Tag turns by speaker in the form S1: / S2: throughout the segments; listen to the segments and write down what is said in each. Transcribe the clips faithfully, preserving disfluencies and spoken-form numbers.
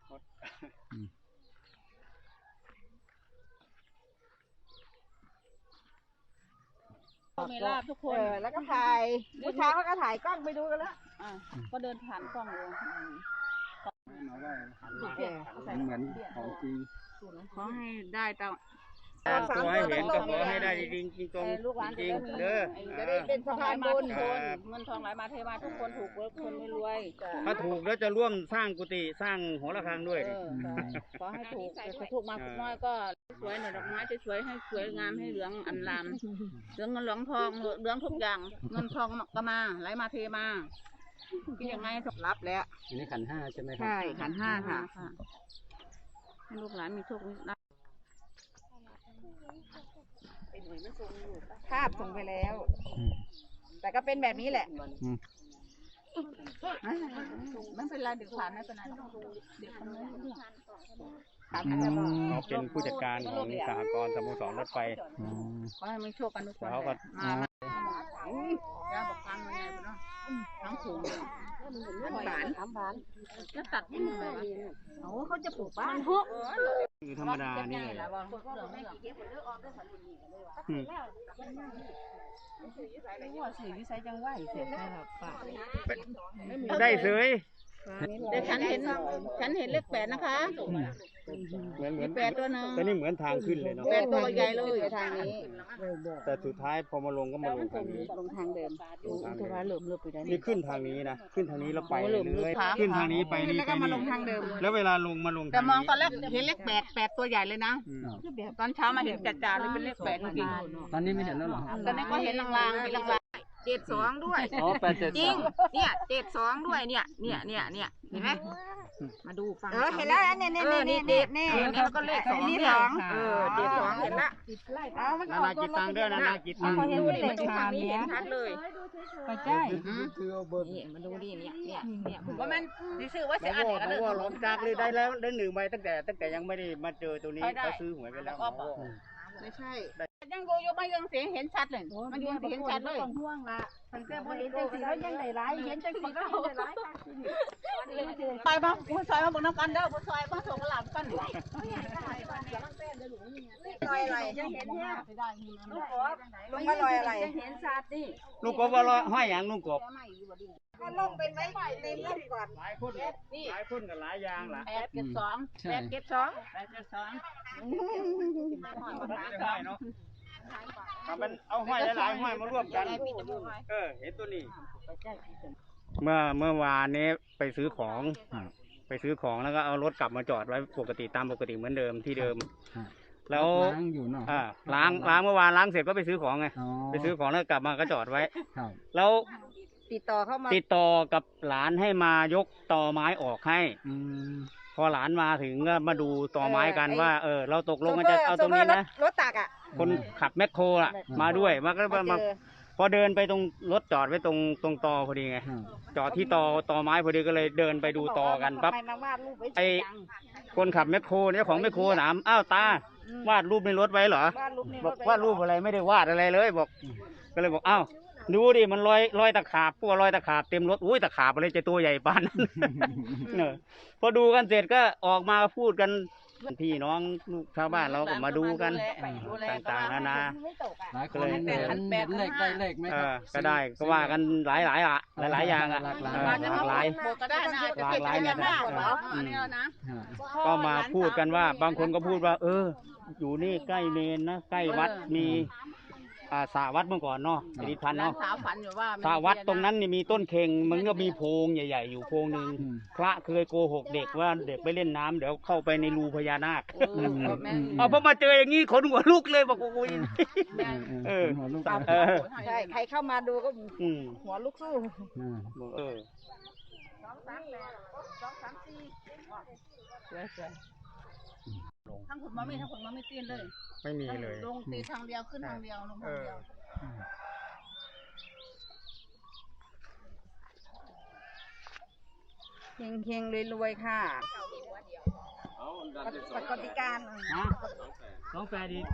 S1: มีลาบทุกคน
S2: แล้วก็ถ่ายเมื่อเช้าเขาก็ถ่ายกล้องไปดูกันแล้ว
S1: ก็เดินผ่านกล้องเลย
S3: เหมือนของจริง
S1: ขอให้ได้ตาม
S3: ขอให้เห็นก็ขอให้ได้จริงจริงตรงจริงเด้อ
S2: จะได้เป็นสะพานบุญ
S1: เงินทองไหลมาเทมาทุกคนถูกคนไม่รวย
S3: ถ้าถูกแล้วจะร่วมสร้างกุฏิสร้างหอระฆังด้วย
S1: ขอให้ถูกแต่ถูกมาน้อยก็สวยหน่อยดอกไม้จะสวยให้สวยงามให้เหลืองอันลามเหลืองเงินเหลืองทองเหลืองทุกอย่างเงินทองก็มาไหลมาเทมาคิดยังไง
S2: รับแล้ว
S3: อันนี้ขันห้าใช่ไหมครับ
S2: ใช่ขันห้าค่ะ
S1: ให้ลูกหลานมีโชคมีลาภ
S2: ภาพส่งไปแล้วแต่ก็เป็นแบบนี้แหละ
S1: ไม่เป็นไรเดี๋ยวผ่านไม่เป็นไรเดี๋ยวคนนี้
S3: เขาเป็นผู้จัดการของสหกรณ์สโมสรรถไฟ
S1: ขอให้มีโชคกันทุกคน
S3: เขาก็
S1: มาย่าบอกฟังยังไงเนาะทั้งถุง
S2: น้ำหวานน้ำหวาน
S1: จะตัดยังไง
S2: โอ้เขาจะปลูกบ้าน
S3: คือธรรมดานี่เลย
S1: หัวสื่อวิสัยจังไหวเสียใช่หรอป่า
S3: ได้เสย
S1: แต่ฉันเห็นฉันเห็นเลขแปดนะคะ
S3: เหมือนเหมือน
S1: แปดตัวนึง
S3: แต่นี่เหมือนทางขึ้นเลยเนาะ
S1: แปดตัวใหญ่เลยทางนี้
S3: แต่สุดท้ายพอมาลงก็มาลงทางนี้
S1: ลงทางเดิมลงทางเดิมเหลื่อมเลื่อมไปได้
S3: นี่ขึ้นทางนี้นะขึ้นทางนี้แล้วไปเลยขึ้นทางนี้ไปนี่ไปนี่แล้วเวลาลงมาลง
S1: แต่มองตอนแรกเห็นเลขแปดแปดตัวใหญ่เลยนะตอนเช้ามาเห็นจ่าๆเลยเป็นเลขแปดจริง
S3: ตอนนี้ไม่เห็นแล้วหรอ
S1: ตอนนี้ก็เห็นลางๆมีลางๆเจ็ดสองด้วยจริงเนี่ยเจ็ดสองด้วยเนี่ยเนี่ยเนี่ยเนี่ยเห็นไหมมาดูฟัง
S2: เออเห็นแล้วเนี่ยเนี่ยเนี่ยเนี่ยเนี่ย
S1: แล้วก็เลขสอง
S2: นี่สอง
S1: เออเจ็ดสองเห็นละ
S3: นานาจิตตังด้วยนานาจิตตัง
S1: ดูเลขทางนี้เห็นชัดเลย
S2: ไปใช่
S1: นี่มาดูดิเนี่ยเนี่ยเนี่ยผมว่ามันดิซื้อว่าจะอ่าน
S3: เอกว่าหลงจากเลยได้แล้วได้หนึ่งใบตั้งแต่ตั้งแต่ยังไม่ได้มาเจอตัวนี้เขาซื้อหวยไปแล้ว
S1: ไม่ใช่ยังดูอยู่ไม่ยังเสียเห็นชัดเลยมันยังเห็นชัดเลย
S2: ห่วงละมันก็พอเห็นจังสีแล้วยังได้ร้ายเห็นจังสีก็ได้ร้าย
S1: ไปบ้างผู้ชายมาบอกน้ำกันเด้อผู้ชายมาส่งกระหล่ำกันหน่อย
S2: ลอยอะไรยังเห็นเนี่ยลูกกบลงมาลอยอะไรยังเห็นชัดดิ
S3: ลูกกบว่าลอยห้อยอย่างลูกกบ
S2: ก็ลงเป็นไว้เต็มแล้วก่อน
S3: หลายคนหลายคนกับหลายยางล่ะ
S1: แปดเก็บสองแปดเก็บสองแปดเก็บสอง
S3: เนาะทำเป็นเอาห้อยหลายๆห้อยมาร่วมกันเออเห็นตัวนี้เมื่อเมื่อวานนี้ไปซื้อของไปซื้อของแล้วก็เอารถกลับมาจอดไว้ปกติตามปกติเหมือนเดิมที่เดิมแล้วล้างอยู่เนาะล้างล้างเมื่อวานล้างเสร็จก็ไปซื้อของไงไปซื้อของแล้วกลับมาก็จอดไว้แล้ว
S2: ติดต่อเข้ามา
S3: ติดต่อกับหลานให้มายกตอไม้ออกให้พอหลานมาถึงก็มาดูตอไม้กันว่าเออเราตกลงกันจะเอาตรงนี้นะ
S2: รถตักอ่ะ
S3: คนขับแมคโครอ่ะมาด้วยมาก็มาพอเดินไปตรงรถจอดไว้ตรงตรงตอพอดีไงจอดที่ตอตอไม้พอดีก็เลยเดินไปดูตอกันปั๊บไอคนขับแมคโครเนี่ยของแมคโครถามอ้าวตาวาดรูปในรถไว้เหรอบอกวาดรูปอะไรไม่ได้วาดอะไรเลยบอกก็เลยบอกอ้าวดูดิมันลอยลอยตะขาบพวกลอยตะขาบเต็มรถอุ้ยตะขาบอะไรจะตัวใหญ่ปานนั้นเนอะพอดูกันเสร็จก็ออกมาพูดกันพี่น้องลูกชาวบ้านเราก็มาดูกันต่างๆนานา
S4: หลายคนเห็นเลขได้เลขไหมครับ
S3: ก็ได้ก็ว่ากันหลายหลายอะหลายหลายอย่างอะหลากหลายหลากหลายเนี่ยก็มาพูดกันว่าบางคนก็พูดว่าเอออยู่นี่ใกล้เมนนะใกล้วัดมีอ่าสาวัดเมื่อก่อนเนาะอดีตพันเนาะสาวัดตรงนั้นนี่มีต้นเค็งมันก็มีโพรงใหญ่ๆอยู่โพรงหนึ่งพระเคยโกหกเด็กว่าเด็กไปเล่นน้ำเดี๋ยวเข้าไปในรูพญานาคเอาพอมาเจออย่างนี้ขนหัวลุกเลยบอกโอ้ยเออ
S2: ใช่ใครเข้ามาดูก็หัวลุกสู้
S3: เออ
S1: ทั้งผมมาไม่ทั้งผมมาไม่ตีนเลย
S3: ไม่มีเลย
S1: ลงตีทางเดียวขึ้นทางเดียวลงทางเดียว
S2: เฮงเฮงรวยๆค่ะปกติการ
S3: สองแปดดี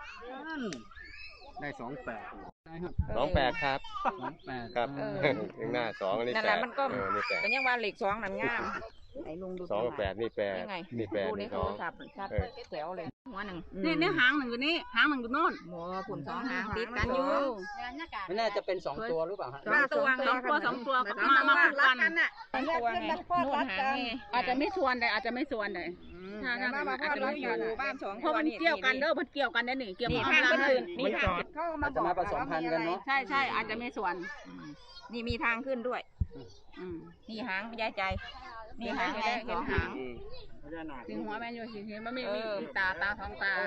S3: ได้สองแปด
S5: สองแปดครับ
S4: สองแปด
S5: ครับข้างหน้าสองอันนี้
S2: นั่นแหละมันก็เป็นยังว่าเหล็กสองนั่นงามไหนลุงดู
S5: สองกับแปดนี่แปด
S2: ยังไง
S5: นี่แปด
S2: ดูใน
S5: นี่
S2: โท
S5: สอ
S2: รง ศัพท์ชัด
S5: เออ
S2: แจ๋วเลยหัวหนึ่ง
S1: นี่นี่หางหนึ่งอยู่นี่หางหนึ่งอยู่โน่น
S2: หมูผุนสองหางติดกันอยู่
S4: ไม่น่าจะเป็นสองตัวหรือเปล่าฮะ
S2: สองตัว
S1: สองตัวสองตัว
S2: สอง
S1: มา
S2: ตัว
S1: มา
S2: รั
S1: กั
S2: กกัน นน่ะ
S6: แยกขึ้นมันพอดรัดกัน
S1: อาจจะไม่ชวนเลยอาจจะไม่ชวนเลย ถ้าถ้า
S2: บ้าน
S1: อาจจะ
S2: เรา
S1: ไม่
S2: อ
S1: ช
S2: ยู่
S1: วน
S2: บ้านสอง
S1: เพราะมันเกี่ยวกันเด้อมันเกี่ยวกันได้หนิเกี่ยว
S2: นี่
S1: กับ
S2: ทาง
S1: เวล
S2: ขึ้น
S1: ให้
S2: นี่ทางเขาก็มาบอก
S4: อาจจะมาผสมพันธุ์กันเนอะ
S1: ใช่ใช่อาจจะไม่ชวน
S2: นี่มีทางขึ้นด้วย
S1: อืม
S2: นี่หางยายใจ นี่หางไงสองหาง
S3: พญานาค
S1: ถึงหัวแม่นอยู่สิเห็นมันมีมีมีตาตาท้องตา